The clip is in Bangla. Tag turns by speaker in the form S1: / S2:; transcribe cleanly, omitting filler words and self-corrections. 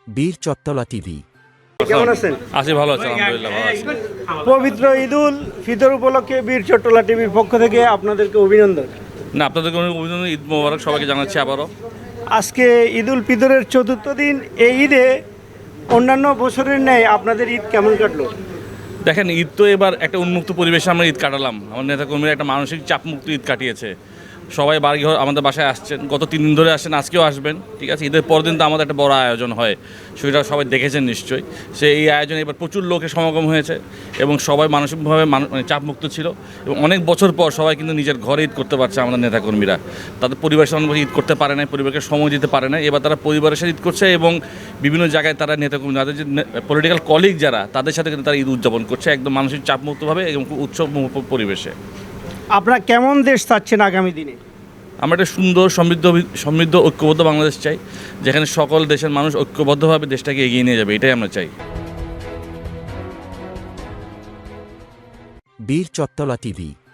S1: বীর চত্তলা টিভি।
S2: কেমন আছেন?
S3: আছি, ভালো আছি, আলহামদুলিল্লাহ ভালো আছি।
S2: পবিত্র ঈদুল ফিতর উপলক্ষে বীর চট্টলা টিভির পক্ষ থেকে আপনাদেরকে অভিনন্দন।
S3: না, আপনাদেরকে অনেক অভিনন্দন, ঈদ মোবারক সবাইকে জানাচ্ছি আবারও।
S2: আজকে ঈদুল ফিতরের চতুর্থ দিন। এই ঈদে অন্যান্য বছরের ন্যায় আপনাদের ঈদ কেমন কাটলো?
S3: দেখেন, ঈদ তো এবার একটা উন্মুক্ত পরিবেশে আমরা ঈদ কাটালাম। আমার নেতাকর্মীরা একটা মানসিক চাপমুক্ত ঈদ কাটিয়েছে। সবাই বাড়ি ঘর আমাদের বাসায় আসছেন, গত 3 দিন ধরে আসছেন, আজকেও আসবেন, ঠিক আছে। ঈদের পর দিন তো আমাদের একটা বড় আয়োজন হয়, সেটা সবাই দেখেছেন নিশ্চয়ই। এই আয়োজনে এবার প্রচুর লোকের সমাগম হয়েছে এবং সবাই মানসিকভাবে চাপমুক্ত ছিল এবং অনেক বছর পর সবাই কিন্তু নিজের ঘরে ঈদ করতে পারছে। আমাদের নেতাকর্মীরা তাদের পরিবারের সঙ্গে ঈদ করতে পারে না, পরিবারকে সময় দিতে পারে না। এবার তারা পরিবারের সাথে ঈদ করছে এবং বিভিন্ন জায়গায় তারা নেতাকর্মী, তাদের যে পলিটিক্যাল কলিগ যারা, তাদের সাথে কিন্তু তারা ঈদ উদযাপন করছে একদম মানসিক চাপমুক্তভাবে এবং খুব উৎসব পরিবেশে।
S2: আপনারা কেমন দেশ চাচ্ছেন আগামী দিনে?
S3: আমরা একটা সুন্দর সমৃদ্ধ ঐক্যবদ্ধ বাংলাদেশ চাই, যেখানে সকল দেশের মানুষ ঐক্যবদ্ধভাবে দেশটাকে এগিয়ে নিয়ে যাবে, এটাই আমরা চাই।
S1: বীর চত্তলা টিভি।